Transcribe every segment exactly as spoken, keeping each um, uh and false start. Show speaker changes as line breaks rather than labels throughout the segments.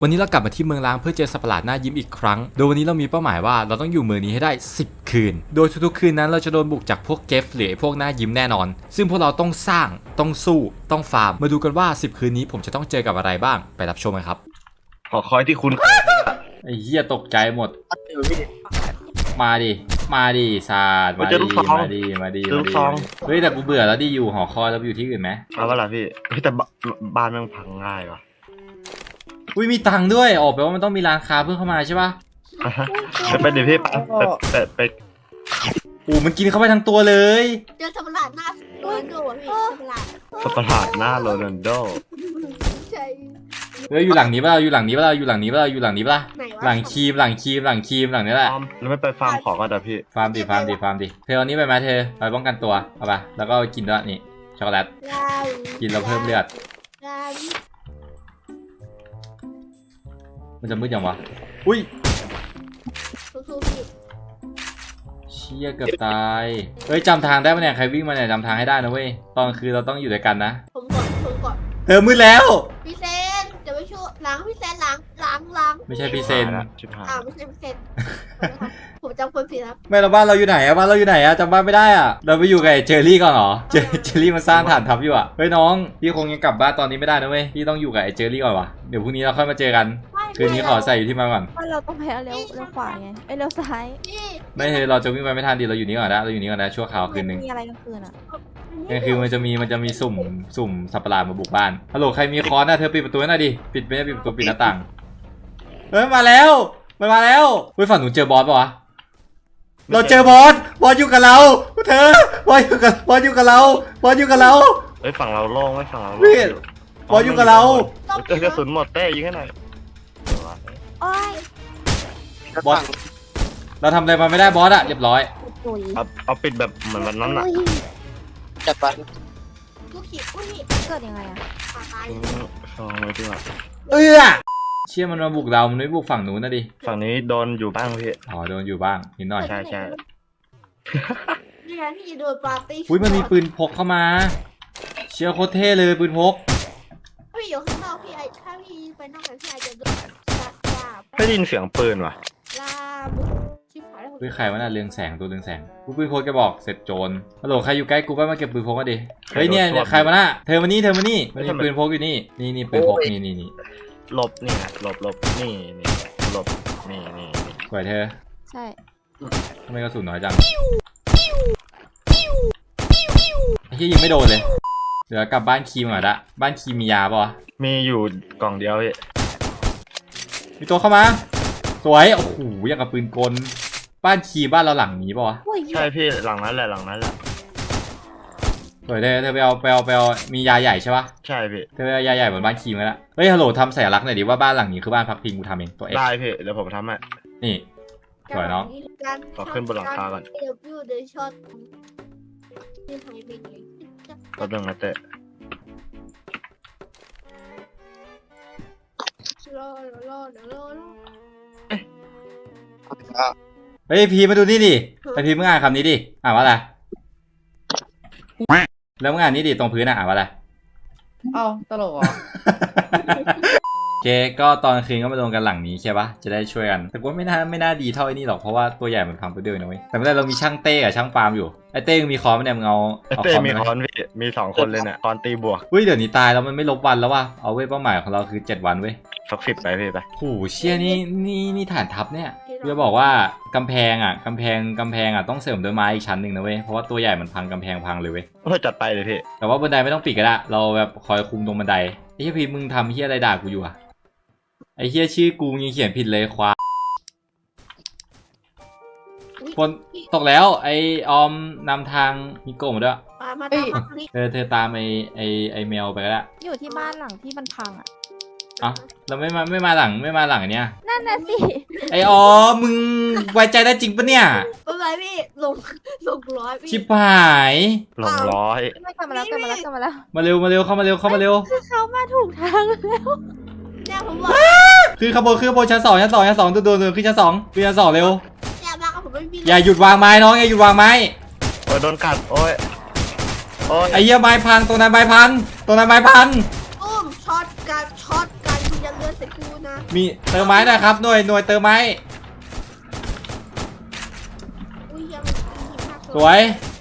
วันนี้เรากลับมาที่เมืองล้างเพื่อเจอสัตว์ประหลาดหน้ายิ้มอีกครั้งโดยวันนี้เรามีเป้าหมายว่าเราต้องอยู่เมืองนี้ให้ได้สิบคืนโดยทุกๆคืนนั้นเราจะโดนบุกจากพวกเกฟหรือพวกหน้ายิ้มแน่นอนซึ่งพวกเราต้องสร้างต้องสู้ต้องฟาร์มมาดูกันว่าสิบคืนนี้ผมจะต้องเจอกับอะไรบ้างไปรับชมกันครับ
ขอคอยที่คุณ
ไอ้เหี้ยตกใจหมดมาดิมาดิศาสตร์มาดิมาดิมาดิเฮ้ยแต่กูเบื่อแล้วดิอยู่หอคอยแล้วอยู่ที่อื่นไหม
เอาว่าล่ะพี่เฮ้ยแต่บ้านมันพังง่ายว่ะ
อุ้ยมีตังค์ด้วยออกไปว่ามันต้องมีร้านค้าเพิ่มเข้ามาใช่ปะ
ไปเดี๋ยวพี่ไปไปไป
โอ้มันกินเข้าไปทั้งตัวเลย
เจอสัตว์ประหลาดหน้าโรนัลโดพี่สัตว์ประหลาด
สัตว์ประหลาดหน้าโรนัลโด
ใช่
เฮ้ยอยู่หลังนี้ป่ะอยู่หลังนี้ป่ะอยู่หลังนี้ป่ะอยู่หลังนี้ป่ะหลังครีมหลังครีมหลังครีมหลังนี้แหละ
แล้วไม่ไปฟาร์มของก็ได้พี่
ฟาร์มดิฟาร์มดิฟาร์มดิเธอเอานี้ไปไหมเธอไปป้องกันตัวเอาไปแล้วก็กินด้วยนี่ช็อกโกแลตกินแล้วเพิ่มเลือดมันจะมืดยังวะอุ้ยเชี่ยเกือบตายเฮ้ยจำทางได้ปะเนี่ยใครวิ่งมาเนี่ยจำทางให้ได้นะเว้ยตอนคือเราต้องอยู่ด้วยกันนะ
ผมก่อนผมก่อน
เธอมืดแล้ว
พี่เซนจะไปช่วยล้างพี่เซนล้างล้างล้าง
ไม่ใช่พี่เซน
อ่าไม่ใช่พี่เซนผมจำคนผิดครับ
ไม่เราบ้านเราอยู่ไหนอะบ้านเราอยู่ไหนอะจำบ้านไม่ได้อะเราไปอยู่กับเจอรี่ก่อนเหรอเจเจอรี่มาสร้างฐานทัพอยู่อะเฮ้ยน้องพี่คงยังกลับบ้านตอนนี้ไม่ได้นะเว้ยพี่ต้องอยู่กับไอ้เจอรี่ก่อนวะเดี๋ยวพรุ่งนี้เราค่อยมาเจอกันคืนนี้ขอใส่อยู่ที่มาก่อน
ว่าเราต้องไปเร็วเร็วขวาไงไอ้เร็วซ้าย
ไม่เฮ้ยเราจะวิ่งไปไม่ทันดิเราอยู่นี่ก่อนนะเราอยู่นี่ก่อนนะชั่วคราวคืนนึง
มีอะไรกลางคืนอะ
กลางคืนมันจะมีมันจะมีสุ่มสุ่มสัตว์ประหลาดมาบุกบ้านฮัลโหลใครมีค้อนนะเธอปิดประตูหน่อยดิปิดไม่ได้ปิดประตูปิดหน้าต่างเฮ้ยมาแล้วมันมาแล้วเฮ้ยฝั่งหนูเจอบอสปะวะเราเจอบอสบอสอยู่กับเราเธอบอสอยู่กับบอสอยู่กับเราบอสอยู่กับเรา
เฮ้ยฝั่งเราโล่งไม่ฝั่งเรา
พี่บอสอยู่กับเรา
เจอกระสุนหมดเต้ยิงให้หน่อย
โอ้ย
บอสเราทำอะไรมาไม่ได้บอสอะเรียบร้อย
เอาเอาปิดแบบเหมือนวันนั้นอะ
จัดไป
ลูกขีดอุ้ย
เกิดยังไงอะ
ตาย
ฟองเลยดีกว่า
เออเชี่ยมันมาบุกเรามันไม่บุกฝั่งนู้นนะดิ
ฝั่งนี้โดนอยู่บ้างพี่
อ๋อโดนอยู่บ้างนิดหน่อย
ใช่ใช่
นี่ไงพี่โดนปาร์ตี้
อุ้ยมันมีปืนพกเข้ามาเชี่ยโคตรเท่เลยปืนพก
พี่อยู่ข้างนอกพี่ไอถ้าพี่ไปนอกกันพี่ไอจะโดน
ไม่ได้ยินเสียงปืนว่ะ
ลาชิบหายแล้ว
ปืนใครวะน่ะเรืองแสงตัวเรืองแสงกูปืนพกจะบอกเสร็จโจรฮัลโหลใครอยู่ใกล้กูไปมาเก็บปืนพกมาดิเฮ้ยเนี่ยใครมาน่ะเธอมานี่เธอมานี่มันมีปืนพกอยู่นี่นี่นี่ปืนพกนี่นี่นี่
หลบนี่หลบหลบนี่นี่หลบนี่นี่
สวยเธอ
ใช่
ทำไมกระสุนน้อยจังไอ้ที่ยิงไม่โดนเลยเดี๋ยวกลับบ้านคีมก่อนละบ้านคีมมียาป่ะ
มีอยู่กล่องเดียวพี่
มีตัวเข้ามาสวยโอ้โหอย่างกับปืนกลบ้านคีบ้านเราหลังนี้ป่ะ
ใช่พี่หลังนั้นแหละหลังนั้นแหละ
สวยเธอเธอไปเอาไปเอาไปเอามียาใหญ่ใช่ป่ะ
ใช่พี่
เธอไปเอายาใหญ่บนบ้านคีมมาแล้วเฮ้ยฮัลโหลทำสัญลักษณ์หน่อยดิว่าบ้านหลังนี้คือบ้านพักพิงกูทำเองตัวเอง
ได้พี่เดี๋ยวผมทำให้
นี่สวยน้อง
ขอขึ้นบนหลังคาก่อน
เดี๋ยวพี่เดี๋ยวช็อตนี่ทำยังไง
ก็ต้องมาเตะ
รอรอรอรอ
เฮ้ยพีมาดูนี่ดิไอพีมึงอ่านคำนี้ดิอ่านว่าอะไรแล้วมึงอ่านนี่ดิตรงพื้นอ่ะอ่านว่าอะไร
อ้าวตลกเหรอ
โอเคก็ตอนคืนก็มาลงกันหลังนี้ใช่ปะจะได้ช่วยกันแต่ว่าไม่น่าไม่น่าดีเท่าไอ้นี่หรอกเพราะว่าตัวใหญ่มันพังไปด้วยนะเว้ยแต่ไม่ได้เรามีช่างเต้กับช่างปาล์มอยู่ไอเต้มีคอนไหมเนี่ยมึงเอา
เต้มีคอนพี่มีสองคนเลยเนี่ยคอนตีบวก
เฮ้ยเดี๋ยวนี้ตายแล้วมันไม่ลบวันแล้วว่ะเอาเว้ยเป้าหมายของเราคือเจ็ดวันเว้ย
สักสิบไปพี่ไป
โหเชี่ยนี่นี่นี่ฐานทัพเนี่ยจะบอกว่ากำแพงอ่ะกำแพงกำแพงอ่ะต้องเสริมด้วยไม้อีกชั้นหนึ่งนะเว้ยเพราะว่าตัวใหญ่มันพังกำแพงพังเลยเว้ย
เออจัดไปเลยพี่
แต่ว่าบันไดไม่ต้องปิดก็ได้เราแบบคอยคุมตรงบันไดไอ้เหี้ยพีมึงทำเหี้ยอะไรด่ากูอยู่อ่ะไอ้เหี้ยชื่อกูยังเขียนผิดเลยควาคนตกแล้วไอออมนำทางมิโกะมาด้วยเธอเธอตามไอไอไอแมวไปก็ได้
อยู่ที่บ้านหลังที่มันพังอ่ะ
อ่ะเราไม่มาไม่มาหลังไม่มาหลังเนี้ย
นั่นน่ะสิ
ไอออมมึงไว้ใจได้จริงปะเนี่ย
ไม่ไหวพี่ลงลงร้อยพี่
ชิบหาย
ลงร้อย
ไม่กลับมาแล้วกลับมาแล้วกลับมาแล้ว
มาเร็วมาเร็วเข้ามาเร็วเข้ามาเร็ว
คือเขามาถูกทางแล้ว
เนี่ยผมบอก
คือขบวนคือขบวนชั้นสองชั้นสองชั้นสองตัวตัวขึ้นชั้นสองขึ้นชั้นสองเร็ว
เนี่ยมากับผมไม่มี
อย่าหยุดวางไม้น้องอย่าหยุดวางไม้
โอ้ยโดนกัดโอ้ย
โอ้ยไอ้เหี้ยไม้พันตัวนั้นไม้พันตัวนั้นไม้พัน
อุ้มช็อตกันช็อตกันคุณอย่าเลือดใส่กูนะ
มีเติมไม้หนะครับหน่วยหน่วยเติมไม้
อุ้ยเฮียมันมีหิมะ
สวย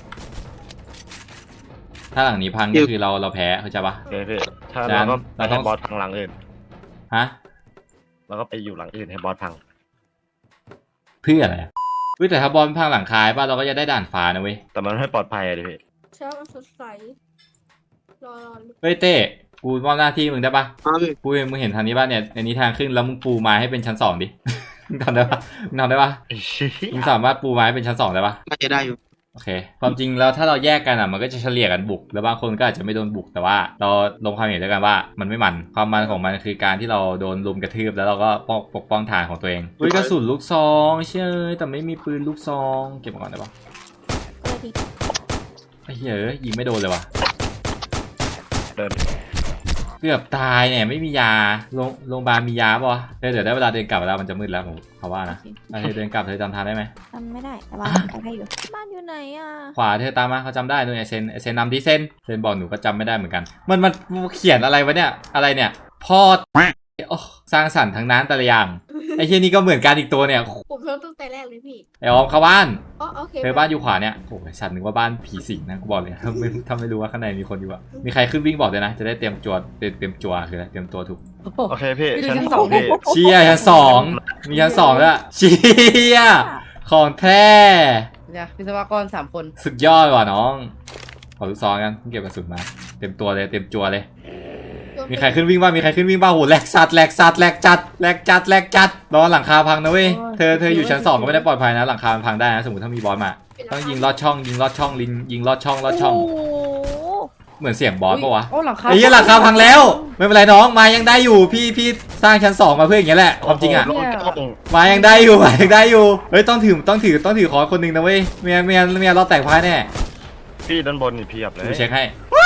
ถ้าหลังนี้พังก็คือเราเราแพ้เข้าใจปะ
โอเคพี่ถ้า
จาน
เราก็
เรา
ไป
ต้
ให้
อง
บอสพังหลังอื่น
ฮะ
แล้วก็ไปอยู่หลังอื่นให้บอสพัง
เพื่ออะไรอะเฮ้ยแต่ถ้าบอลพังหลังคายป่ะเราก็จะได้ด่านฟ้านะเว้ย
แต่มันไม่ปลอดภัยอะดิพี่
เช้ามันสดใสรอรอ
เฮ้ยเต้กูมอบหน้าที่มึงได้ปะ
ครับพี่
กูมึงเห็นทางนี้ป่ะเนี่ยในนี้ทางขึ้นแล้วมึงปูไม้ให้เป็นชั้นสองดิ มึงทำได้ปะมึงทำได้ปะมึงสามารถปูไม้เป็นชั้นสองได้ปะ
น่าจะได้อยู่
โอเค ความจริงแล้วถ้าเราแยกกันอ่ะมันก็จะเฉลี่ยกันบุก แล้วบางคนก็อาจจะไม่โดนบุกแต่ว่าเราลงความเห็นด้วยกันว่ามันไม่มันความมันของมันคือการที่เราโดนลุมกระทืบแล้วเราก็ปกปกป้องฐานของตัวเองอุ้ยกระสุนลูกซองเชื่อแต่ไม่มีปืนลูกซองเก็บมาก่อนได้ปะ
เลยที
ไอ้เหี้ยเอ้ยยิงไม่โดนเลยว่ะ
เดิน
เกือบตายเนี่ยไม่มียาโรงโรงพยาบาลมียาป่ะวะเดี๋ยวเดี๋ยวได้เวลาเดินกลับแล้วมันจะมืดแล้วผมเขาว่านะอ่ะเธอเดินกลับเธอจำทางได้ไหม
จำไม่ได้แต่ว่าไปได้อยู่บ้านอยู่ไหนอ่ะ
ขวาเธอตามมาเขาจำได้นู่นไอเซนไอเซนนำที่เซนเซนบอกหนูก็จำไม่ได้เหมือนกัน มันมันเขียนอะไรวะเนี่ยอะไรเนี่ยพ่อโอ้สร้างสรรค์ทั้งนั้นแต่ละอย่างไอเฮียนี่ก็เหมือนกันอีกตัวเนี่ย
ผมเริ่มตั้งแต่แรกเลยพี่
ไอออมเข้าบ้าน
อ๋อโอเค
เธอบ้านอยู่ขวาเนี่ยโอ้ยสัตว์นึกว่าบ้านผีสิงนะกูบอกเลยถ้าไม่ถ้าไม่รู้ว่าข้างในมีคนอยู่อะมีใครขึ้นวิ่งบอกเลยนะจะได้เตรียมจวดเตรียมเตรียมจัวคืออะไรเตรียมตัวถูก
โอเคพี่
พี่ดู
ชั้น
ชั้น
ส
ส
อ
อง ง
พี่
เชียชั้นสองมีชั้นสองแล้วยเชียของแท้
เนี่ยวิศวกรสามคน
สุดยอดว่ะน้องขอลูกซองกันเก็บกระสุนมาเต็มตัวเลยเต็มจัวเลย มีใครขึ้นวิ่งบ้างมีใครขึ้นวิ่งบ้างโหแหลกสัตว์แหลกสัตว์แหลกจัดแหลกจัดแหลกจัดรอหลังคาพังนะเว้ยเธอเธออยู่ชั้นสองก็ไม่ได้ปลอดภัยนะหลังคามันพังได้นะสมมติถ้ามีบอสมาต้องยิงลอดช่องยิงลอดช่องลิงยิงลอดช่องลอดช่อง
โอ้โห
เหมือนเสียงบอสปะวะ
โอ้หลังคา
ไอ้เหี้ยหลังคาพังแล้วไม่เป็นไรน้องมายังได้อยู่พี่พี่สร้างชั้นสองมาเพื่ออย่างเงี้ยแหละความจริงอะ
โโหโล่ง
มายังได้อยู่มายังได้อยู่เฮ้ยต้องถือต้องถือต้องถือขอคนหนึ่งนะเว้ยเมียเมียเมียเราแตกพ่ายแน่
ๆพี่ด้านบนนี่เพียบเลย
ดูเช็คให้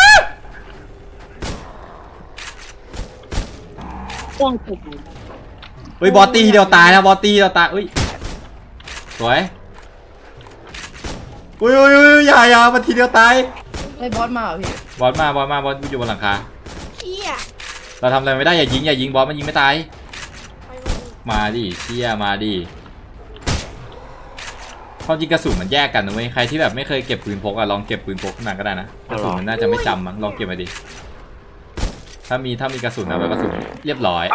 เฮ้ยบอสตีทีเดียวตายนะบอสตีทีเดียวตายเฮ้ยสวยอุ้ยอุ้ยอุ้ยอย่าอย่ามาทีเดียวตาย
ไอ้บอสมาเหรอพี่
บอสมาบอสมาบอสอยู่บนหลังคา
พี่อะ
เราทำอะไรไม่ได้อย่ายิงอย่ายิงบอสมันยิงไม่ตาย
ไป
มาดิเชี่ยมาดิความจริงกระสุนมันแยกกันนะเว้ยใครที่แบบไม่เคยเก็บปืนพกอะลองเก็บปืนพกขึ้นมาก็ได้นะกระสุนมันน่าจะไม่จำมั้งลองเก็บมาดิถ้ามีถ้ามีกระสุนเอาไว้กระสุนเรียบร้อย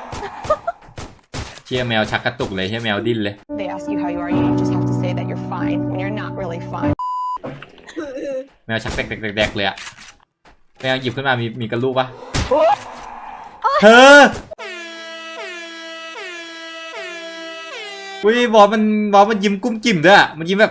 เชี่ยแมวชักกระตุกเลยเชี่ยแมวดิ้นเลย
They ask you how you are, you just have to say that you're fine when you're not really fine.
แมวชักแดกๆๆเลยอะแมวหยิบขึ้นมามีมีกระลูกปะเธออุ้ยบอสมันบอสมันยิ้มกุ้มกิ่มด้วยอะมันยิ้มแบบ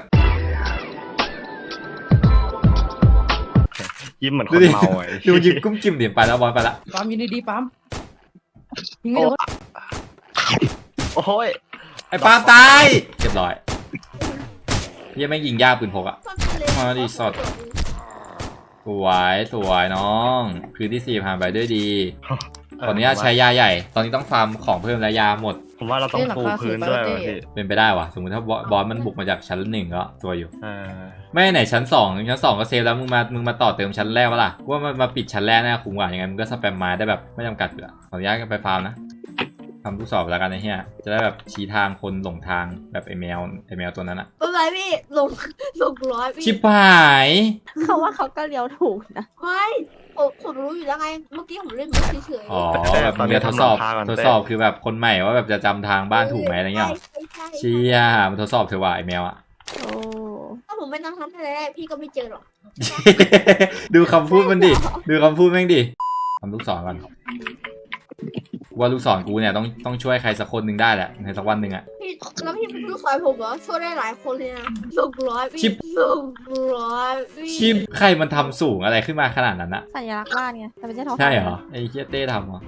ยิ้มเหมือนค
ดู
น
ดิ
เมาไอ้
ดูยิ้มกุ้มกิ่มเดี๋ยวไปแล้วบอสไปละ
ปั๊มยินดีๆปั๊มยิงไม่โดน
โอ้ย
ไอ้ปาล์มตายเรียบร้อยเหี้ยังไม่งยิงยากปืนพกอะ มาดิสด สวยสวยน้องคืนที่สี่ผ่านไปด้วยดีตอนนี้ใช้ยาใหญ่ ตอนนี้ต้องฟาร์มของเพิ่มและยาหมด
ผมว่าเราต้องปูพื้นด้วยว่ะพี่
เป็นไปได้วะสมมติถ้าบอสมันบุกมาจากชั้นหนึ่งก็ตัวอยู่
อ่า
ไม่ไหนชั้นสองชั้นสองก็เซฟแล้วมึงมามึงมาต่อเติมชั้นแรกวะล่ะว่ามันมาปิดชั้นแรกน่าคุ้มกว่าอย่างงั้นมึงก็สแปมไม้ได้แบบไม่จำกัดอยู่ละขออนุญาตกันไปฟาร์มนะทำทุกสอบแล้วกันนะเฮียจะได้แบบชี้ทางคนหลงทางแบบไอแมวไอแมวตัวนั้นอะ
ไปไปพี่ลงลงร้อยพี่
ชิบหาย
เขาว่าเขาก็เลี้ยวถูกนะ
ไม่ผมผมรู้อยู่แล้วไงเมื่อกี้ผมเล่นมันเฉยๆ
อ๋อแบบมึงจะทดสอบทดสอบคือแบบคนใหม่ว่าแบบจะจำทางบ้านถูกไหมอะไรเงี้ยหรอ
ใช่ใช่
เชี่ยมันทดสอบเธอว่าไอแมวอะ
โอ้
ถ้าผมไม่นั่งทำแต่แรกพี่ก็ไม่เจอหรอก
ดูคำพูดมันดิ ดูคำพูดแม่งดิทำลูกศรก่อนว่าลูกศรกูเนี่ยต้องต้องช่วยใครสักคนหนึ่งได้แหละในสักวันหนึ่งอะ
พี่แล้วพี่เป็นลูกสาวผมเหรอช่วยได้หลายคนเลยนะลงร้อยพี่
ชิป
ลงร้อยพี่
ชิปใครมันทำสูงอะไรขึ้นมาขนาดนั้นอะ
สัญลักษณ์บ้านไงแต่ไม่ใช่ท้อง
ใช่เหรอไอ้เฮียเต้ทำเหรอ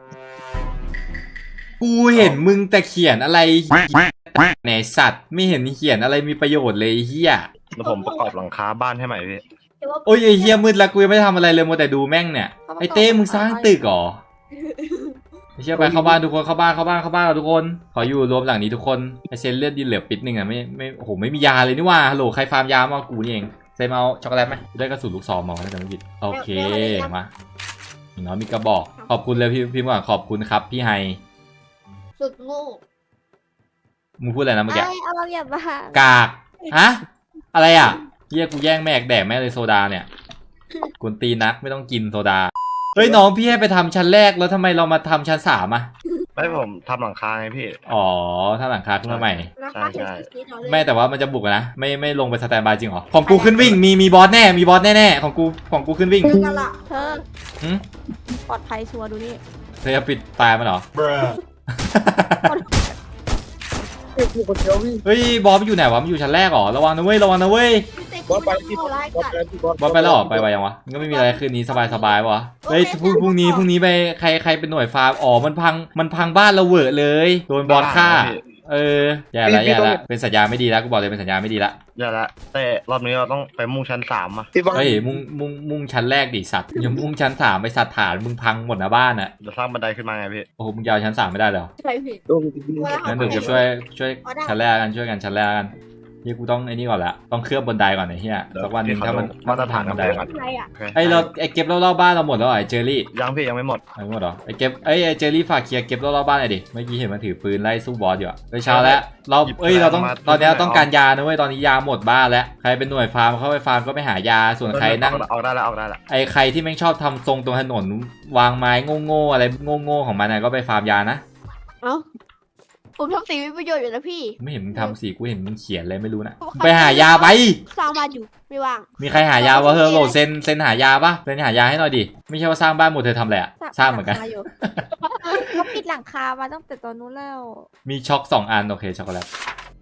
กูเห็นมึงแต่เขียนอะไรในสัตว์ไม่เห็นเขียนอะไรมีประโยชน์เลยไอ้เฮีย
แล้วผมประกอบหลังคาบ้านให้ใหม่พี่
แต่ว่า
โอ้ยไอ้เฮียมืดแล้วกูยังไม่ได้ทำอะไรเลยมัวแต่ดูแม่งเนี่ยไอ้เต้มึงสร้างตึกเหรอไม่เชื่อไปเข้าบ้านทุกคนเข้าบ้านเข้าบ้านเข้าบ้านเราทุกคนขออยู่รวมหลังนี้ทุกคนไอเซนเลือดดินเหลือปิดหนึ่งอะไม่ไม่โอ้โหไม่มียาเลยนี่ว่าฮัลโหลใครฟาร์มยามากูนี่เองเซนเอาช็อกโกแลตไหมได้กระสุนลูกซองมาถ้าจำไม่ผิดโอเคมาอย่างน้อยมีกระบอกขอบคุณเลยพี่พี่หวังขอบคุณครับพี่ไฮ
สุดโง่
มึงพูดอะไรนะเมื่อกี้
ไอ้เอาเราอย่าบ้าก
ากฮะอะไรอ่ะเฮียกูแย่งแม่กแดกแม่เลยโซดาเนี่ยกวนตีนนักไม่ต้องกินโซดาเฮ้ยน้องพี่ให้ไปทำชั้นแรกแล้วทำไมเรามาทำชั้นสามอ่ะ
ไม่ผมทำหลังคาไงพี่
อ๋อถ้าหลังคาขึ้นมาใหม่
ราคา
ใช่
ถึงสี่ร้อยเลย
ไม่แต่ว่ามันจะบุกอะนะไม่ไม่ลงไปสแตนบายจริงเหรอของกูขึ้นวิ่งมีมีบอสแน่มีบอสแน่ๆของกูของกูขึ้นวิ่ง
เจอกันละ
เธอ
หึ
ปลอดภัยชัวร์ดูนี่
เธอจะปิดตายมันเหรอเฮ้ยบอสมันอยู่ไหนวะมันอยู่ชั้นแรกเหรอระวังนะเว้ยระวังนะเว้ย
พี่เต้คุณไม่เข้าร้ายกัด
บอสไปแล้วเหรอไปไวยังวะมันก็ไม่มีอะไรคืนนี้สบายสบายวะเฮ้ยพรุ่งพรุ่งนี้พรุ่งนี้ไปใครใครเป็นหน่วยฟาร์มอ๋อมันพังมันพังบ้านเราเหวอะเลยโดนบอสฆ่าเออแย่ละแย่ละเป็นสัญญาณไม่ดีแล้วกูบอกเลยเป็นสัญญาณไม่ดีละ
อย่าละแต่รอบนี้เราต้องไปมุ่งชั้นสามอะ
เฮ้ยมุ่งมุ่งมุ่งชั้นแรกดิสัตว์อย่ามุ่งชั้นสามไปสัตว์ฐานมึงพังหมดนะบ้านอ่ะ
จะสร้างบันไดขึ้นมาไงพี่
โอ้โหมึงยาวชั้นสามไม่ได้เหรอ
ใช่พี่
งั้นเดี๋ยวกูช่วยช่วยชั้นแรกกันช่วยกันชั้นแรกกันเฮียกูต้องไอ้นี่ก่อนละต้องเคลือบบนไดก่อนไอ้เฮียสักวันหนึ่งถ้ามัน
มาตรฐาน
บั
กัน น
ได
ได
ก่อน
อะไรอ่ะ
โอเค
ไอ้เราไอ้เก็บรอบๆบ้านเราหมดแล้วเหรอไอ้เจอรี่
ยังพี่ยังไม่หมด
ไม่หมดเหรอไอ้เก็บไอ้ไอ้เจอรี่ฝากเคลียร์เก็บรอบๆบ้านหน่อยดิเมื่อกี้เห็นมันถือปืนไล่สู้บอสอยู่อะไปเช้าแล้วเราเอ้ยเราต้องตอนนี้เราต้องการยานะเว้ยตอนนี้ยาหมดบ้านแล้วใครเป็นหน่วยฟาร์มเข้าไปฟาร์มก็ไปหายาส่วนใครนั่ง
ออกได้แล้วออกได้แล้ว
ไอ้ใครที่แม่งชอบทำทรงตรงถนนวางไม้โง่ๆอะไรโง่ๆของมันนะก็ไปฟาร์มยานะ
เอ้าผมทำสีมีประโยชน์อยู่นะพี่
ไม่เห็นมึงทำสิกูเห็นมึงเขียนเลยไม่รู้นะไปหายาไป
สร้างบ้านอยู่ไม่ว่าง
มีใครหายาวะเธอโหลดเซนเซนหายาปะเซนหายาให้หน่อยดิไม่ใช่ว่าสร้างบ้านหมดเธอทำอะไรอะสร้างเหมือนกัน
หลัคายู่เขาปิดหลังคามาตั้งแต่ตอนนู้นแล้ว
มีช็อกสองอันโอเคช็อกโกแลต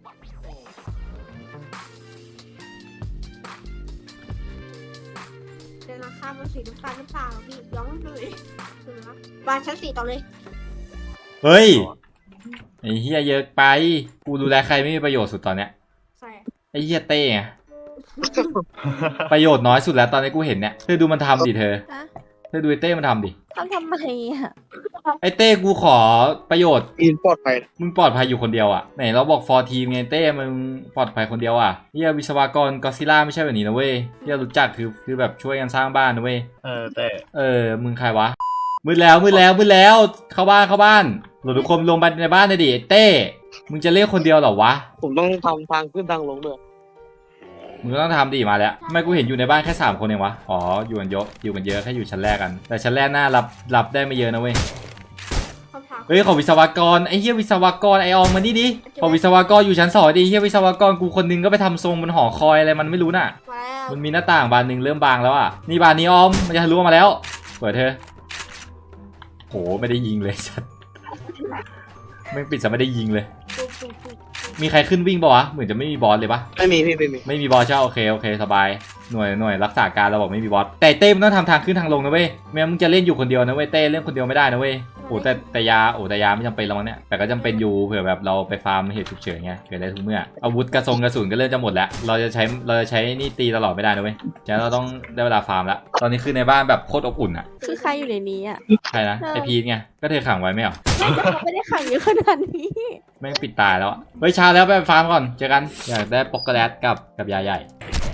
เดินราคามันสีน้ำตาลน้ำตาลพี่ย้อมเลยถูกไหมครับบ้านชั้นสี่ต่อเลย
เฮ้ยไอ้เฮียเยอะไปกูดูแลใครไม่มีประโยชน์สุดตอนเนี้ย
ใส่
ไอ้เฮียเต้ไงประโยชน์น้อยสุดแล้วตอนนี้กูเห็นเนี่ยเธอดูมันทำดิเธอ
ฮะ
เธอดูไอ้เต้มันทำดิ
ทำทำไมอ่ะ
ไอ้เต้กูขอประโยชน์
อินปลอดภัย
มึงปลอดภัยอยู่คนเดียวอ่ะไหนเราบอกฟอร์ทีมไงเต้มึงปลอดภัยคนเดียวอ่ะเฮียวิศวกรก็ซิล่าไม่ใช่แบบนี้นะเว้ยเฮียรู้จักคือคือแบบช่วยกันสร้างบ้านนะเว้ย
เออแต่
เออมึงใครวะมืดแล้วมืดแล้วมืดแล้วเข้าบ้านเข้าบ้านหลุดทุกคนลงไปในบ้านเลยดิไอ้เต้มึงจะเล่นคนเดียวเหรอวะ
ผมต้องทำทางขึ้นทางลงด้วย
มึงก็ต้องทำดิมาแล้วทำไมกูเห็นอยู่ในบ้านแค่สามคนเองวะอ๋ออยู่กันเยอะอยู่กันเยอะแค่อยู่ชั้นแรกกัน แต่ชั้นแรกน่ารับรับได้ไม่เยอะนะเว้ย
คำถาม
เฮ้ยขอวิศวกรไอ้เหี้ยวิศวกรไอออมมานี่ดิขอวิศวกรอยู่ชั้นสองดิเหี้ยวิศวกรกูคนนึงก็ไปทำทรงบนหอคอยอะไรมันไม่รู้น่ะ
มาแล้ว
มันมีหน้าต่างบานหนึ่งเริ่มบางแล้วอ่ะนี่บานนี้ออมมันจะทะลุออกมาแล้วเปิดเธอโหไม่ได้ยิงเลยชัดไม่งปิดซะไม่ได้ยิงเลย
ปุ๊บปุ๊บปุ๊บ
มีใครขึ้นวิ่งปะวะเหมือนจะไม่มีบอสเลยปะ
ไม่มีพี่ไม่มี
ไม่มีบอสใช่ปะโอเคโอเคสบายหน่วยหน่วยรักษาการเราบอกไม่มีบอสแต่เต้มันต้องทำทางขึ้นทางลงนะเว้ยไม่งั้นมึงจะเล่นอยู่คนเดียวนะเว้ยเต้เล่นคนเดียวไม่ได้นะเว้ยโอ้แต่แต่ยาโอ้แต่ยาไม่จำเป็นแล้วมั้งเนี่ยแต่ก็จำเป็นอยู่เผื่อแบบเราไปฟาร์มเหตุฉุกเฉินไงเกิดได้ทุกเมื่ออาวุธกระสงกระสุนก็เริ่มจะหมดแล้วเราจะใช้เราจะใช้นี่ตีตลอดไม่ได้นะเว้ยฉะนั้นเราต้องได้เวลาฟาร์มแล้วตอนนี้คือในบ้านแบบโคตรอบอุ่นอ่ะ
คือใครอยู่ในนี้อ่ะ
ใครนะไอพีทไงก็เธอขังไว้ไม่เหรอ
เขาไม่ได้ขังเยอะขนาดนี้
แม่งปิดตายแล้วอะเฮ้ยเช้าแล้วไปฟาร์มก่อนเจอกันอยากได้ป๊อกโกแลตกับกับยาใหญ่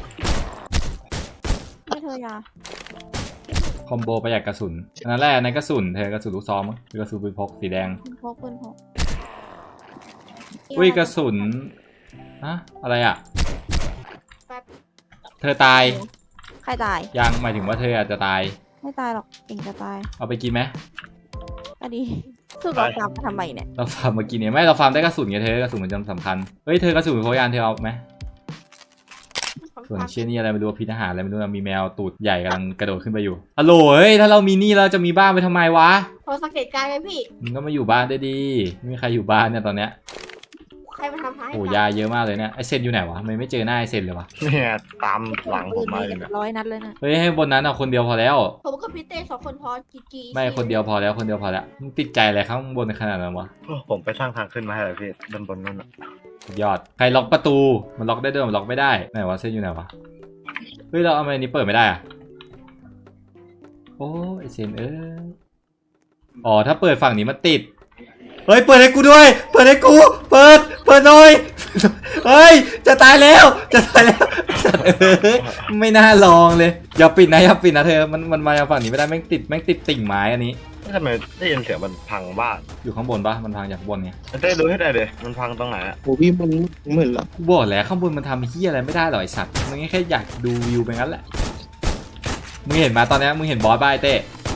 ไม่เธอยา
คอมโบประหยัดกระสุนอันนั้นแหละในกระสุนเธอกระสุนลูกซองมั้งหรือกระสุนปืนพกสีแดง
ปืนพกปืนพก
อุ้ยกระสุนฮะอะไรอ่ะ
แป๊บ
เธอตาย
ใครตาย
ยังหมายถึงว่าเธออาจจะตาย
ไม่ตายหรอกเองจะตาย
เอาไปกินไหม
อันนี้คือเราตามมาทำไมเนี่ย
เราฟาร์มมากินเนี่ยไม่เราฟาร์มได้กระสุนไงเธอกระสุนมันจำสำคัญเฮ้ยเธอกระสุนโคยานเธอเอาไหมส่วนเชี่ยนี่อะไรไม่รู้พิษอาหารอะไรไม่รู้นะมีแมวตูดใหญ่กำลังกระโดดขึ้นไปอยู่ฮัลโหลเฮ้ยถ้าเรามีนี่เราจะมีบ้านไปทำไมวะ
พอสังเกตการณ์ไหมพี่
มึงก็มาอยู่บ้านได้ดีไม่มีใครอยู่บ้านเนี่ยตอนเนี้ย
ใครมาทำให้
โอ้ยาเยอะมากเลยเนี่ยไอเซนอยู่ไหนวะไม่ไม่เจอหน้าไอเซนเลยวะ
เนี่ยตามหลังผมมาเลย
เรี
เนี่ย
บร้อยนัดเลยนะ
เฮ้ยให้บนนั้นเอาคนเดียวพอแล้ว
ผมกับพี่เต้สองคนพอจีจี
ไม่คนเดียวพอแล้วคนเดียวพอแล้วมึงติดใจอะไรข้างบนขนาดนั้นวะ
โอ้ผมไปสร้างทางขึ้นมาให้เลยพี่ด้านบนนู่นน่ะ
สุดยอดใครล็อกประตูมันล็อกได้ด้วยมันล็อกไม่ได้ไหนวะเซนอยู่ไหนวะเฮ้ยเราเอาไมนี้เปิดไม่ได้อะโอ้ไอเซนเอ้ยอ๋อถ้าเปิดฝั่งนี้มันติดเฮ้ยเปิดให้กูด้วยเปิดให้กูเปิดเปิดหน่อยเฮ้ยจะตายแล้วจะตายแล้วสัตว์เอ้ยไม่น่าลองเลยอย่าปิดนะอย่าปิดนะเธอมันมันมาจากฝั่งนี้ไม่ได้แม่งติดแม่งติดติ่งไม้อันนี้
ทำไมได้ยินเสียงมันพังบ้าน
อยู่ข้างบนปะมันพังจากข้างบนไง
เต้ดูให้ได้เลยมันพังตรงไหนอะ
โอ้พี่มันเหมือนละ
กูบอกแล้วข้างบนมันทำเฮียอะไรไม่ได้หรอกไอสัตว์มึงแค่อยากดูวิวไปงั้นแหละมึงเห็นมาตอนนี้มึงเห็นบอสบ้าไอเต้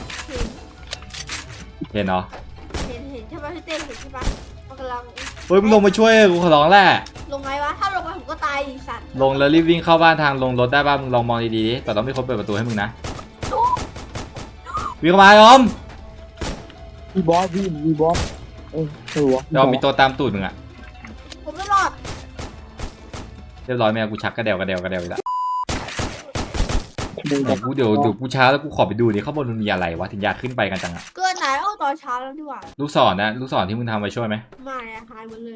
เห็น
เห็นเหรอ
เห็นเห็นใช่ปะพี่เต้เห็นใช่ปะมันกำลัง
เฮ้ยมึงลงมาช่วยกูขอร้องแหละ
ลงไงวะถ้าลงไปผมก็ตายดิสัตว์
ลงแล้วรีบวิ่งเข้าบ้านทางลงรถได้ป่ะมึงลองมองดีๆดิแต่ต้องมีคนเปิดประตูให้มึงนะวิ่งเข้ามาออม
มีบอสพี่มีบอสเออเออวะ
ออมมีตัวตามตูดมึงอะ
ผมไม่รอด
เรียบร้อยแม่กูชักกระเดวกระเดวกระเดวอีกแล้วเดี๋ยวกูเดี๋ยวเดี๋ยวกูช้าแล้วกูขอไปดูดิข้างบนมันมีอะไรวะถึงอยากขึ้นไปกันจังอะ
เกินไหนเอาตอนเช้าแล้วดีกว่า
ลูกศรนะลูกศรที่มึงทำไว้ช่วยไหม
มาเนี่ยหายหมดเลย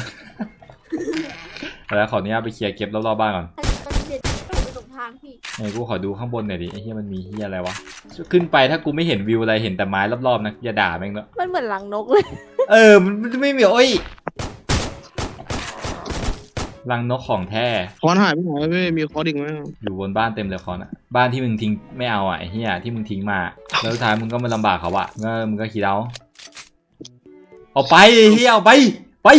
แล้วขออนุญาตไปเคลียร์เก็บรอบๆบ้านก่อน
ถ้ามันเด็ดไปตรงทางพี่
ไอ้กูขอดูข้างบนหน่อยดิไอ้เหี้ยมันมีเหี้ยอะไรวะขึ้นไปถ้ากูไม่เห็นวิวอะไรเห็นแต่ไม้รอบๆนะอย่าด่าแม่งเนอะ
มันเหมือนหลังนกเลย
เออมันมันไม่มีโอ้ยรังนกของแท้
คอนหายไปไหนไม่มีคอนอีกไหม
อยู่บนบ้านเต็มเลยคอนอะบ้านที่มึงทิ้งไม่เอาอ่ะไอ้เหี้ยที่มึงทิ้งมาแล้วสุดท้ายมึงก็มาลำบากเขาอะก็มึงก็คิดเอาเอาไปไอ้เหี้ยเอาไปไป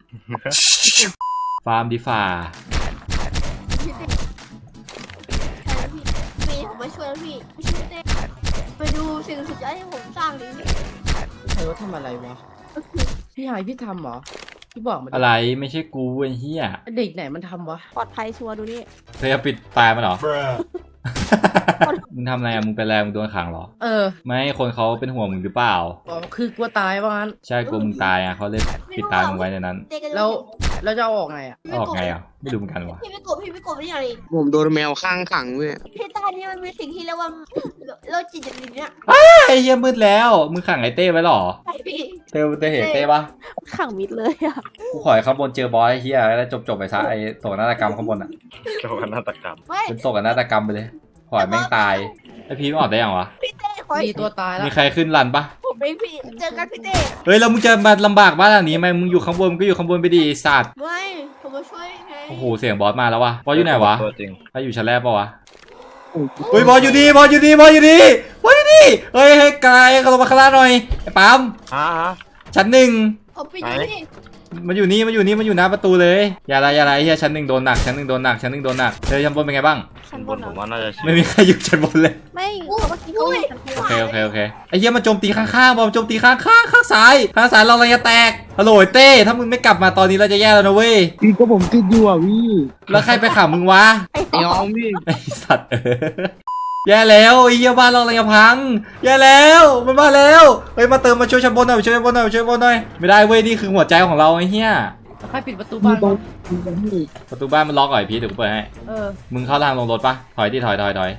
ฟาร์มดีฝ่า
พี่เต้ใช่พี่พี่ผมมาช่วยแล้วพี่ไม่ช่วยเต้ไปดูสิ่งสุดยอดที่ผมสร้างดิ
ใครว่าทำอะไรวะพี่หายพี่ทำเหรอพี่บอกมาดิ
อะไรไม่ใช่กูไอ้เหี้ย
เด็กไหนมันทำวะ
ปลอดภัยชัวร์ดูนี่
เธอจะปิดตายมันเหรอ มึงทำอะไรอะมึงเป็นอะไรมึงโดนขังเหรอ
เออ
ไม่คนเขาเป็นห่วงมึงหรือเปล่า
อ๋อคือกลัวตายว่างั้น
ใช่กลัวมึงตายอ่ะเขาเลยปิดตายมึงไว้ในนั้น
เต้ก็
แล้วแล้วจะเอาออกไงอ่ะ
ออกไงอ่ะไม่รู้เหมือนกันวะ
พี่ไม่กบพี่ไม่กบไม่อะไร
ผมโดนแมวข้างขังเว้ย
พี่ใต้นี่มันมีสิ่งที่เรียกว่าโรคจิตอย่างนี้เนี่ย
ไอ้เหี้ยมืดแล้วมึงขังไอ้เต้ไว้เหรอ
ใช่พี่
เต้เต้เห็นเต้ปะ
ขังมิดเลยอะ
กูขอให้ข้างบนเจอบอสไอ้เหี้ยแล้วจบจบๆไปซะไอ้โศกนาฏกรรมข้างบนอ่ะ
โจรนาฏกรรม
ไม่
เป็นโศกนาฏกรรมไปเลยขอให้แม่งตายไอ้พีไม่ออกได้ยังวะ
พี่เต้ขอ
มีตัวตายแล้ว
มีใครขึ้นรันปะ
ผมเองพี่เจอกันพี่เต้
เฮ้ยแล้วมึงจะมาลำบากบ้านหลังนี้ไหมมึงอยู่ข้างบนมึงก็อยู่ข้างบนไปดิไอ้สัตว์
ไม่ผมมาช่วยไง
โอ้โหเสียงบอสมาแล้ววะบอสอยู่ไหนวะ
ตัวจริง
ถ้าอยู่ชั้นแรกปะวะเฮ้ยบอสอยู่นี่บอสอยู่นี่บอสอยู่นี่บอสอยู่นี่เฮ้ยเฮ้ยกายเขาลงมาข้างล่างหน่อยไอ้ปั๊ม
ฮะฮะ
ชั้นหนึ่ง
ผมปิดอยู่พี่
มันอยู่นี่มันอยู่นี่มันอยู่หน้าประตูเลยอย่าอะไรอย่าอะไรเฮียชั้นหนึ่งโดนหนักชั้นหนึ่งโดนหนักชั้นหนึ่งโดนหนักเธอชั้นบนเป็นไงบ้าง
ชั้น
บบ น
น
ผม
เหรอ
ว่าน่าจะชิ
ไม่มีใครอยู่ชั้นบนเลย
ไม่เมื่อกี้เขาอยู่ชั้นบ
โอน เคโอเคโอเคไอ้เหี้ยมันโจมตีข้างๆบอมโจมตีข้างๆข้างซ้ายข้างซ้ายเราอะไรจะแตกฮัลโหลเต้ถ้ามึงไม่กลับมาตอนนี้เราจะแย่แล้วนะเว้ย
พี่ก็ผมติดอยู่อ่ะพี่
แล้วใครไปขังมึงวะ
ไอ้
ไอ้ออมพี่
ไอสัตว์เออแย่แล้วไอ้เหี้ยบ้านเราอะไรจะพังแย่แล้วมันมาแล้วเฮ้ยมาเติมมาช่วยชั้นบนหน่อยช่วยชั้นบนหน่อยช่วยชั้นบนหน่อยไม่ได้เว้ยนี่คือหัวใจของเราไอ้เหี้ย
ใครปิดประตูบ้านวะ
ประตูบ้านมันล็อกเหรอไอ้พีทเดี๋ยวกูเปิดให้
เออ
มึงเข้าทางลงรถปะถอยดิถอยถอยถอย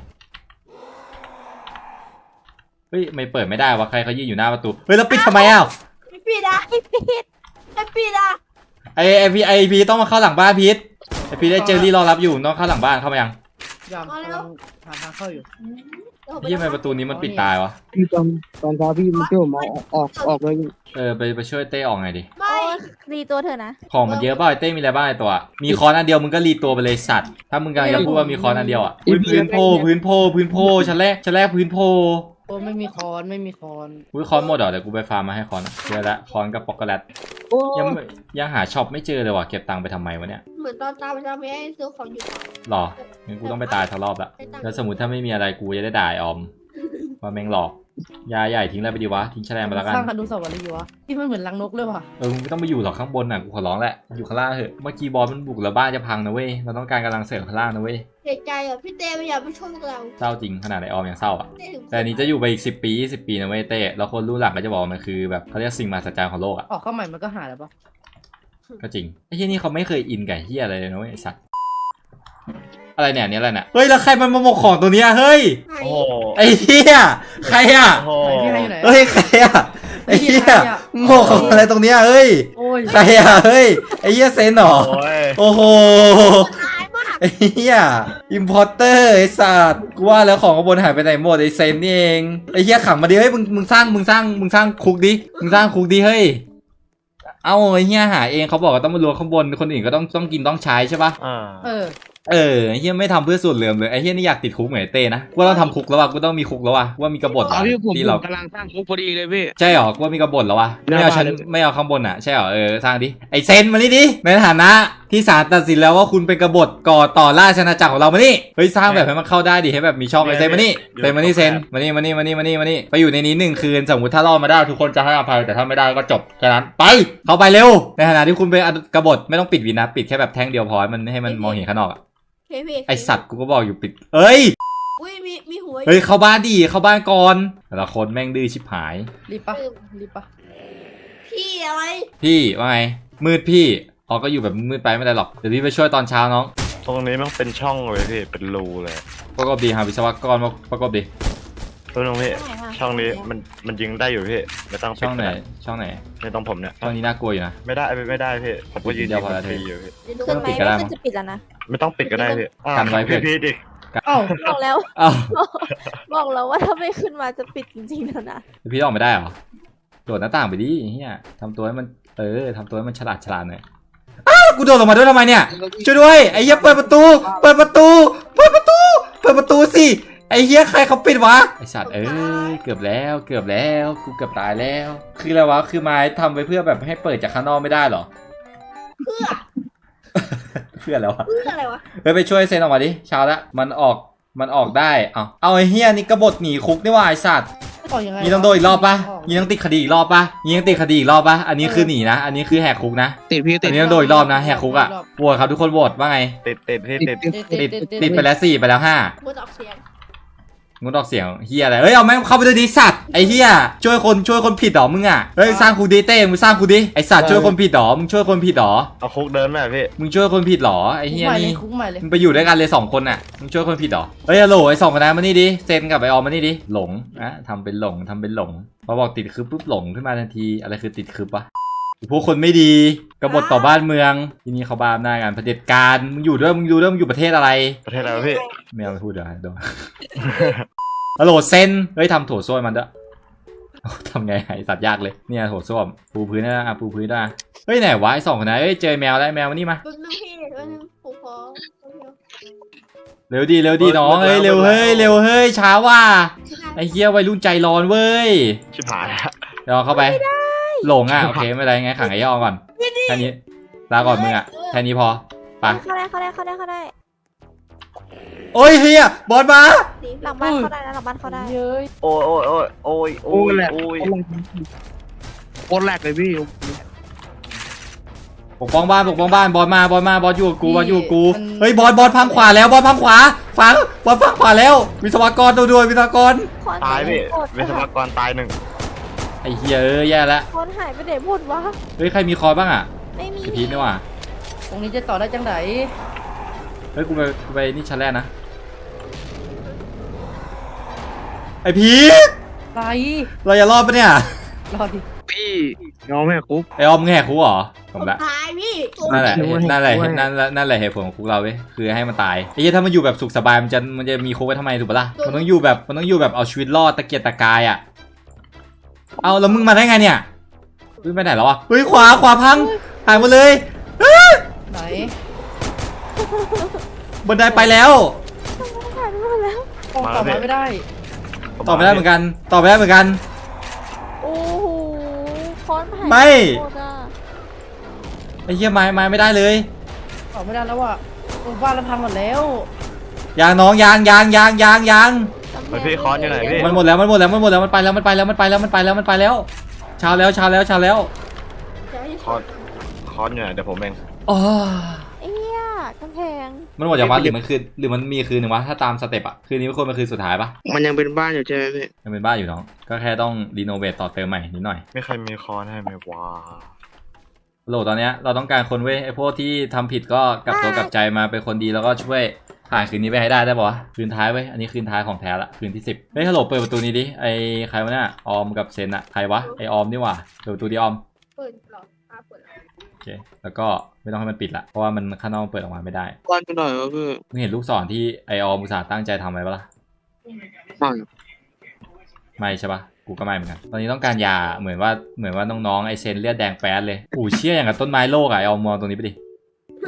เฮ้ยไม่เปิดไม่ได้วะใครเขายืนอยู่หน้าประตูเฮ้ยแล้วปิดทำไมอ่ะ
ไม่ปิดอ่ะ
ไม่ผิด
ไม่ปิดอ่ะ
ไอไอพีไอพีต้องมาเข้าหลังบ้านพีทไอพีได้เจอรี่รอรับอยู่ต้องเข้าหลังบ้านเข้ามายัง
ยามกำลังหาทางเข้าอยู่
พี่ทำไมประตูนี้มันปิดตายวะ
พี่ตอนตอนเช้าพี่มันเที่ยวผมเอาออกออกเลย
เออไปไปช่วยเต้ออกไงดิ
ไม่
โอ้ยรีตัวเธอนะ
ของมันเยอะเปล่าไอเต้มีอะไรบ้างไอตัวมีคอนอันเดียวมึงก็รีตัวไปเลยสัตว์ถ้ามึงกำลังจะพูดว่ามีคอนอันเดียวอ่ะอุ๊ยพื้นโพพื้นโพพื้นโพชั้นแรกชั้นแรกพื้นโพ
โอ้ไม่มีคอนไม่มีคอน
อุ้ยคอนหมดเหรอเดี๋ยวกูไปฟาร์มมาให้คอนอะเจอละคอนกับป๊อกโกแลต
โอ้
ยังไม่ยังหาช็อปไม่เจอเลยว่ะเก็บตังค์ไปทำไมวะเนี่ย
เหมือนตอนตามไปทำให้ซื้อของอยู่
หรองั้นกูต้องไปตายทั้งรอบละแล้วสมมติถ้าไม่มีอะไรกูจะได้ด่าไอ้ออมว่าแม่งหลอกยาใหญ่ทิ้งอะไรไปดีวะทิ้งแฉลงไปแล้วกัน
สร้างอนุสาวรีย์วะที่มันเหมือนรังนกเลยว่ะ
เออมึงไม่ต้องไปอยู่หรอกข้างบนน่ะกูขอร้องแหละอยู่ข้างล่างเถอะเมื่อกี้บอสมันบุกแล้วบ้านจะพังนะเว้ยเราต้องการกำลังเสริมข้างล่างนะเว้ย
เสียใจอ่ะพี่เต้ไม่อยากไปช่วยพวกเรา
เศร้าจริงขนาดไอออมยังเศร้าอ่ะ
เต้ถึง
แต่อันนี้จะอยู่ไปอีกสิบปียี่สิบปีนะเว้ยเต้แล้วคนรู้หลังก็จะบอกว่ามันคือแบบเขาเรียกสิ่งมหัศจรรย์ของโลกอ่ะ
ออกเข้าใหม่มันก็หายแล้วปะ
ก็จริงไอ้ที่นี่เขาไม่เคยอินกับเฮียอะไรเลยนะเว้ยไอ้สัตว์อะไรเนี่ยเนี่ยอะไรเนี่ยเฮ้ยแล้วใครมันมาหมกของตัวเนี้ยเฮ้ย
ไหน
โอ้โห
ไอ้เฮียใครอ่ะ
โอ้โห
ไหนพี่ให้อยู่ไหน
เฮ้ยใครอ่ะไอ้เฮียโมกของอะไรตรงเนี้ยเฮ้ย
โอ้ย
ใครอ่ะเฮ้ยไอ้เฮียเซนเหรอ
โอ้ย
โอ้โห
ตายมาก
ไอ้เฮียอิมพอร์เตอร์ไอ้สัตว์กูว่าแล้วของข้างบนหายไปไหนหมดไอ้เซนนี่เองไอ้เฮียขังมาดิเฮ้ยมึงมึงสร้างมึงสร้างมึงสร้างคุกดิมึงสร้างคุกดิเฮ้ยเอาไอ้เฮียหาเองเขาบอกว่าต้องมารวมข้างบนคนอื่นก็ต้องต้องกินต้องใช้ใช่ปะ
อ่า
เออ
เออไอ้เฮียไม่ทำเพื่อส่วนเหลื่อมเลยไอ้เฮียนี่อยากติดคุกเหมือนไอ้เต้นะว่าต้องทำคุกแล้วว่ะกูต้องมีคุกแล้วว่ะว่ามีกบฏ
เอาพี่ผม
ที่
ผ
เรา
มกำลังสร้างคุกพอดีเลยพี่
ใช่หรอว่ามีกบฏแล้ววะ
หน้า
ไม่เอาชั้น
บ้านเลย
ไม่เอาข้างบนอ่ะใช่หรอเออสร้างดิไอเซนมานี่ดิในฐานะที่ศาลตัดสินแล้วว่าคุณเป็นกบฏก่อต่อราชอาณาจักรของเรามานี่เฮ้ยสร้างแบบให้มันเข้าได้ดิให้แบบมีช่องไอเซนมานี่เซนมานี่เซนมานี่มานี่มานี่มานี่มานี่ไปอยู่ในนี้หนึ่งคืนสมมติถ้ารอดมาได้ทุกคนจะให้อภัยแต่ถ้าไม่ได้ก็จบแค่นั้นไปเข้าไปเร็วในฐานะที่คุณเป็นกบฏไม่ต้องปิดวินนะปิดแค่แบบแท่งเดียวพอให้มันให้มันมองเห็นข้างนอกอะ
เคพี่
ไอสัตว์กูก็บอกอยู่ปิดเอ้ย
อุ้ยมีมีหัว
เฮ้ยเข้าบ้านดิเข้าบ้านก่อนแต่ละคนแม่งดื้อชิบหาย
รีบปะรีบปะ
พี่อะไร
พี่ว่าไงมืดพี่อ๋อก็อยู่แบบมืดไปไม่ได้หรอกเดี๋ยวพี่ไปช่วยตอนเช้าน้อง
ตรงนี้มันเป็นช่องเลยพี่เป็นรูเลย
ประกอบดีหาวิศวกรมาประกอบดี
ตัวนึงพี่
ช่องไหนคะ
ช่องนี้มันมันยิงได้อยู่พี่ไม่ต้องปิด
ช่องไหน
ก็ด้
ช่องไหน
ไม่ต้องผมเนี่ย
ช่องนี้น่ากลัวอยู่นะ
ไม่ได้ไม่ไม่ได้พี่ผมก็ยืน
เดี๋
ยิ
ยว
ง
พอแล้ว
ฟรีอยู่พี่
เดี๋ยวดู
ขึ้นไหม
ปิดก็ได้
ไม่ขึ้นจะปิดแล้วนะ
ไม่ต้องปิดก็ได้พี่อ่า
กันไว้เพื่
พี่
อน
พี่ดิ
เอ้า
บอกแล้ว
อ้าว
บอกแล้วว่าถ้าไม่ขึ้นมาจะปิดจริงๆแล้วนะ
พี่ออกไม่ได้เหรอโดดหน้าต่างไปดิเฮียทำตัวให้มันเออทำตัวให้มันฉลาดฉลาดหน่อยอ้าวกูโดดลงมาด้วยทำไมเนี่ยช่วยด้วยไอ้เหี้ยเปิดประตูเปิดประตูเปิดประตูเปิดประตูสิไอ้เหี้ยใครเขาปิดวะไอ้สัตว์เอ้ยเกือบแล้วเกือบแล้วกูเกือบตายแล้ว คืออะไรวะคือไม้ทำไปเพื่อแบบให้เปิดจากข้างนอกไม่ได้เหรอ
เพื่อ
เพื่อแล้ววะ
เพื่ออะไรวะ
เฮ้ยไปช่วยเซนออกมาดิเช้าละมันออกมันออกได้เอาเอาไอ้เฮียนี่กบฏหนีคุกนี่ว่าไอ้สัตว์
ออกยังไง
นี่ต้องโดนอีกรอบปะนี่ต้องติดคดีอีกรอบปะนี่ต้องติดคดีอีกรอบปะอันนี้คือหนีนะอันนี้คือแหกคุกนะ
ติดพี่ติ
อั
ด
นนี้ต้องโดนอีกรอบนะแหกคุกอะโหวตครับทุกคนโหวตว่าไง
ติดติดพี่ติด
ติดติดไปแล้วสี่ไปแล้วห้า
พูดออกเสียง
งดออกเสียงเฮียอะไรเฮ้ยเอาแม่งเข้าไปเลยดิสัตว์ไอ้เฮียช่วยคนช่วยคนผิดหรอมึงอะเฮ้ยสร้างคุกดิเต้มึงสร้างคุกดิไอ้สัตว์ช่วยคนผิดหรอมึงช่วยคนผิดหรอ
เอาคุกเดินไหมพี่
มึงช่วยคนผิดหรอไอ้
คุก
เฮีย
ใหม่เลย
นี่
คุกใหม่เลย
มึงไปอยู่ด้วยกันเลยสองคนน่ะ มึงช่วยคนผิดเหรอ เฮ้ยฮัลโหลไอ้สองคนนั้นมานี่ดิ เซนกับไอออมมานี่ดิ หลงนะทำเป็นหลงทำเป็นหลง พอบอกติดคือปุ๊บหลงขึ้นมาทันที อะไรคือติดคือปะพวกคนไม่ดีกบฏต่อบ้านเมือง ที่นี่เขาบ้าอำนาจงานเผด็จการ มึงอยู่ด้วย มึงอยู่ด้วย มึงอยู่ประเทศอะไร
ประเทศอะไรวะพี่
ไม่เอาไปพูดเดี๋ยวโดน ฮัลโหลเซน เฮ้ยทำโถส้วมมันด้วยทำไงไอสัตว์ยากเลย เนี่ยโถส้วม ปูพื้นนะอ่ะปูพื้นนะเฮ้ยไหนวะไอสองคนนั้นเฮ้ยเจอแมวแล้วแมวมานี่มา
แป๊บนึงพี่แป๊บนึงผมขอ
เร็วดีเร็วดีน้องเฮ้ยเร็วเฮ้ยเร็วเฮ้ยช้าว่ะไอ้เหี้ยวัยรุ่นใจร้อนเว้ย
ชิบหายละ
เดี๋ยวเข้าไปหลงอ่ะโอเคไม่เป็นไรไงขังไอ้ย่อก่อนแค่นี้ลาก่อนมึงอ่ะแค่นี้พอไป
เข้าได้เข้าได้เข้าได้เข้าได้
โอ้ยเฮียบอลมา
หลังบ้านเข้าได้นะหลังบ้านเข้าได้
เย้ย
โอ้ยโอ้ยโอ้ยโอ้ย
โอ้
โอ้ย
แหลก
โอ้ย
โคตรแหลกเลยพี่
ปกป้องบ้านปกป้องบ้านบอลมาบอลมาบอลอยู่กับกูบอลอยู่กับกูเฮ้ยบอลบอลพังขวาแล้วบอลพังขวาฟังบอลพังขวาแล้ววิศวกรตัวด้วยวิศวกร
คอน
ตายพี่
หมด
วิศวกรตายหนึ่ง
ไอ้เฮียเอ้ยแย่แล้ว
คอนหายไปไหนหมดวะ
เฮ้ยใครมีคอร์สบ้างอ่ะ
ไม่มี
ไอพีทนี่ว่ะ
ตรงนี้จะต่อได้จังไหน
เฮ้ยกูไปกูไปนี่ชั้นแรกนะไอพีท
ไร
เราจะรอดปะเนี่ย
รอดิ
พี่น้องแม่คุก
ไอออมมึงแหกคุกเหรอผมละ
ตายพี่
นั่นแหละ
ช่วย
นั่นแหละ
ช่วย
นั่นแหละนั่นแหละเหตุผลของคุกเราเว้ยคือให้มันตายไอ้เหี้ยถ้ามันอยู่แบบสุขสบายมันจะมันจะมีคุกไว้ทำไมถูกปะล่ะมันต้องอยู่แบบมันต้องอยู่แบบเอาชีวิตรอดตะเกียกตะกายอ่ะเอาแล้วมึงมาได้ไงเนี่ยเฮ้ยไปไหนแล้วอ่ะเฮ้ยขวาขวาพังหายหมดเลย
ไหน
บันไดไปแล้ว
หายไปหมดแล้ว
โอ้ต่อมาไม่ได้
ต่อไม่ได้เหมือนกันต่อไม่ได้เหมือนกัน
โอ้โหคอนหาย
ไม่
หมดอ่ะ
ไอ้เหี้ยไม้ไม้ไม่ได้เลย
ต่อไม่ได้แล้วอ่ะโอ้บ้านเราพังหมดแล้ว
ยางน้องยางยางยางยางยาง
ไปพี่คอนอยู่ไหนพี่
มันหมดแล้วมันหมดแล้วมันหมดแล้วมันไปแล้วมันไปแล้วมันไปแล้วมันไปแล้วมันไปแล้วเช้าแล้วเช้าแล้วเช้าแล้ว
คอนคอนอยู่ไหนเดี๋ยวผมเอง
อ๋อ
ไอ้เหี้ยกำแพง
มันหมดจากวัดหรือมันคืนหรือมันมีคืนหนึ่งวะถ้าตามสเต็ปอะคืนนี้มันควรเป็นคืนสุดท้ายปะ
มันยังเป็นบ้านอยู่ใช่ไหมพี่
ยังเป็นบ้านอยู่น้องก็แค่ต้องรีโนเวทต่อเติมใหม่นิดหน่อย
ไม่ใครมีคอนให้ไหมวะ
โหลตอนเนี้ยเราต้องการคนเว้ยไอพวกที่ทำผิดก็กลับตัวกลับใจมาเป็นคนดีแล้วก็ช่วยผ่านคืนนี้ไปให้ได้ได้ปะวะคืนท้ายเว้ยอันนี้คืนท้ายของแท้ละคืนที่สิบเฮ้ยฮัลโหลเปิดประตูนี้ดิไอใครวะเนี่ยออมกับเซนอะใครวะไอออมนี่หว่าเปิดประตูดิออม
เปิดหรออ่ะเปิดแล้ว
โอเคแล้วก็ไม่ต้องให้มันปิดละเพราะว่ามันข้างนอกเปิดออกมาไม่ได้
บ้านไปหน่อยวะพี่
มึงเห็นลูกศรที่ไอออมอุตส่าห์ตั้งใจทำไว้ปะล่ะ
บ้าน
ไม่ใช่ปะกูก็ไม่เหมือนกันตอนนี้ต้องการยาเหมือนว่าเหมือนว่าน้องๆไอเซนเลือดแดงแป๊ดเลยอู้เชี่ยอย่างกับต้นไม้โลกอะไอออมมองตรงนี้ไปดิ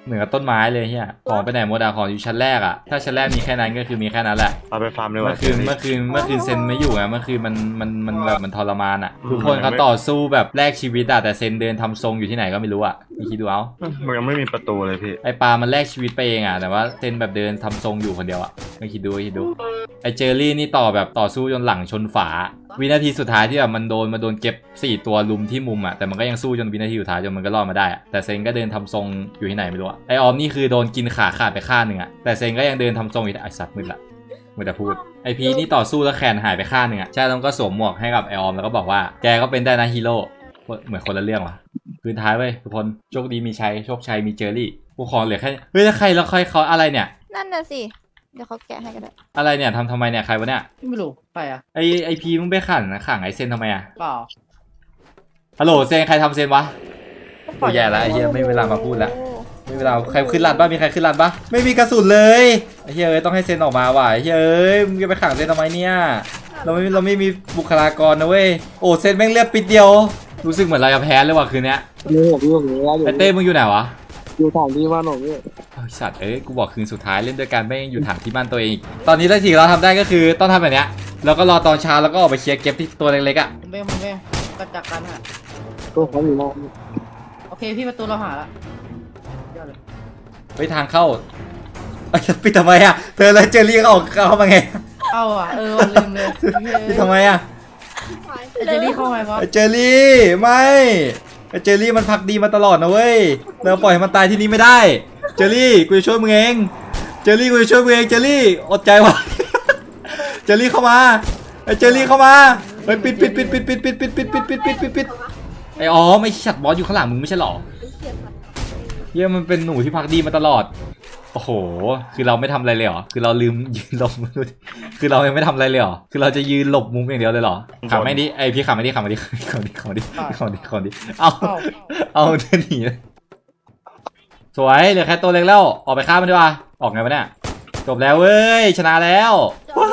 เหมือนกับต้นไม้เลยเฮียของไปไหนหมดอะของอยู่ชั้นแรกอะถ้าชั้นแรกมีแค่นั้นก็คือมีแค่นั้นแหละ
เอาไปฟาร์มดีก
เมื่
ว่า
อคืนเมื่อคืนเมื่อคืนเซนไม่อยู่ไงเมื่อคืนมันมันมันแบบมันทรมานอะทุกคนเขาต่อสู้แบบแลกชีวิตอะแต่เซนเดินทำทรงอยู่ที่ไหนก็ไม่รู้อะพี่คิดดูเอา
มันยังไม่มีประตูเลยพี่
ไอปลามันแลกชีวิตไปเองอะแต่ว่าเซนแบบเดินทำทรงอยู่คนเดียวอะไม่คิดดูคิดดูไอเจอรี่นี่ต่อแบบต่อสู้จนหลังชนฝา วินาทีสุดท้ายที่แบบมันโดนมาโดนเก็บสี่ตัวลุมที่มุมอะแต่มันก็ยังสู้จนวินาทีสุดท้ายจนมันก็รอดมาได้อะแต่เซนก็เดินทำทรงอยู่ที่ไหนไม่รู้อะไอออมนี่คือโดนกินขาขาดไปข้างหนึ่งอะแต่เซนก็ยังเดินทำทรงอยู่ไอสัตว์มึนละมึงจะพูดไอพีนี่ต่อสู้แล้วแขนหายไปข้างหนึ่งอะใช่แล้วก็สวมหมวกให้กับไอออมแล้วก็บอกว่าแกก็เป็นได้นะฮีโร่เหมือนคนละเรื่องว่ะคืนท้ายเว้ยทุกคนโชคดีมีชัยโชคชัยมีเจอรี่กูขอเหลือแค่เฮ้ยแล้วใครแล้วใครเขาอะไรเนี่ย
นั่นน่ะสิ เดี๋ยวเขาแกะให้ก็ได้
อะไรเนี่ยทำทำไมเนี่ยใครวะเนี่ย
ไม่รู้ใครอะ
ไอไอพีมึงไปขันนะขังไอเซนทำไมอะ
เปล่า
ฮัลโหลเซนใครทำเซนวะโอ้แย่แล้วไอ้เหี้ยไม่มีเวลามาพูดแล้วไม่มีเวลาใครขึ้นลัดบ้างมีใครขึ้นลัดบ้างไม่มีกระสุนเลยไอ้เหี้ยเอ้ยต้องให้เซนออกมาว่ะไอ้เหี้ยเอ้ยมึงจะไปขังเซนทำไมเนี่ยเราไม่เราไม่มีบุคลากรนะเว้ยโอ้เซนแม่งเลือดปิดเดียวรู้สึกเหมือนเราจะแพ้เลยว่ะคืนเนี้ย
นี่ผมอยู่ตรงนี้แล้วอยู่
ไอเต้มึงอยู่ไหนวะ
อยู่ทางที่บ้านผมนี่
ไอ้สัตว์เอ้ยกูบอกคืนสุดท้ายเล่นด้วยกันไม่งอยู่ถางที่บ้านตัวเองอีกตอนนี้สิ่งที่เราทำได้ก็คือต้องทำแบบเนี้ยแล้วก็รอตอนเช้าแล้วก็ออกไปเคลียร์เก็บที่ตัวเล็กๆอ่ะ
ผมเบ้ผมเบ้กระจักกันฮะ
ตัวเขาอยู่นอก
โอเคพี่ประตูเราหาละยอดเลย
ไปทางเข้าเอ้ยปิดทำไมอ่ะเธอแล้วเจอรี่ก็ออกเข้ามาไง
เข้าอ่ะเออว่ะลืมเลย
ปิดทำไมอ่ะ
ไอเจลลี่เข้าไงวะ
ไอเจอรี่ไม่ไอเจอรี่มันพักดีมาตลอดนะเว้ยเราปล่อยให้มันตายที่นี่ไม่ได้เจอรี่กูจะช่วยมึงเองเจอรี่กูจะช่วยมึงเองเจอรี่อดใจไว้ เจอรี่เข้ามาไอเจอรี่เข้ามาเฮ้ยปิดปิดปิดปิดปิดปิดปิดปิดปิดปิดปิดปิดปิดไออ๋อไม่ชัดบอสอยู่ข้างหลังมึงไม่ใช่หรอเฮียมันเป็นหนูที่พักดีมาตลอดโอ้โหคือเราไม่ทำอะไรเลยเหรอคือเราลืมยืนหลบคือเรายังไม่ทำอะไรเลยเหรอคือเราจะยืนหลบมุมอย่างเดียวเลยเหรอขังไม่ดิไอพี่ขังไม่ดิขังไม่ดิขังดิขังดิขังดิขังดิเอา
เข้า
เอาเดินหนีเลยสวยเหลือแค่ตัวเล็กแล้วออกไปฆ่ามันดีกว่าออกไงวะเนี่ยจบแล้วเว้ยชนะแล้วว้าว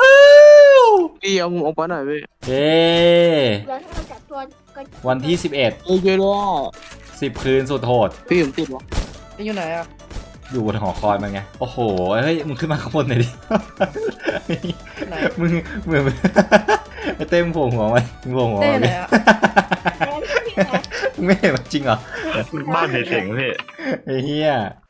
พี่เอาผมออกไปหน่อยพี่
เย้
แล้วถ้าเราจับตัวก็
วันที่สิบเอ็ด
เอ้ยเยอะเลย
สิบคืนสุดโหด
พี่ผมติดวะ
พี่อยู่ไหนอ่ะ
อยู่บนหอคอยมันไงโอ้โหเฮ้ยมึงขึ้นมาข้างบนหน่อยดิ
ไหน
มึงเหมือนไอ้เต้มงโผล่หัวไว้มึงโผล่หัว
เต้
ไว้
ไหนอ่ะ
แล้วพี่แพ้
มึงไม่เห็นมันจริงเหรอ
บ้านเพเสียงพี่
ไอ้เหี้ย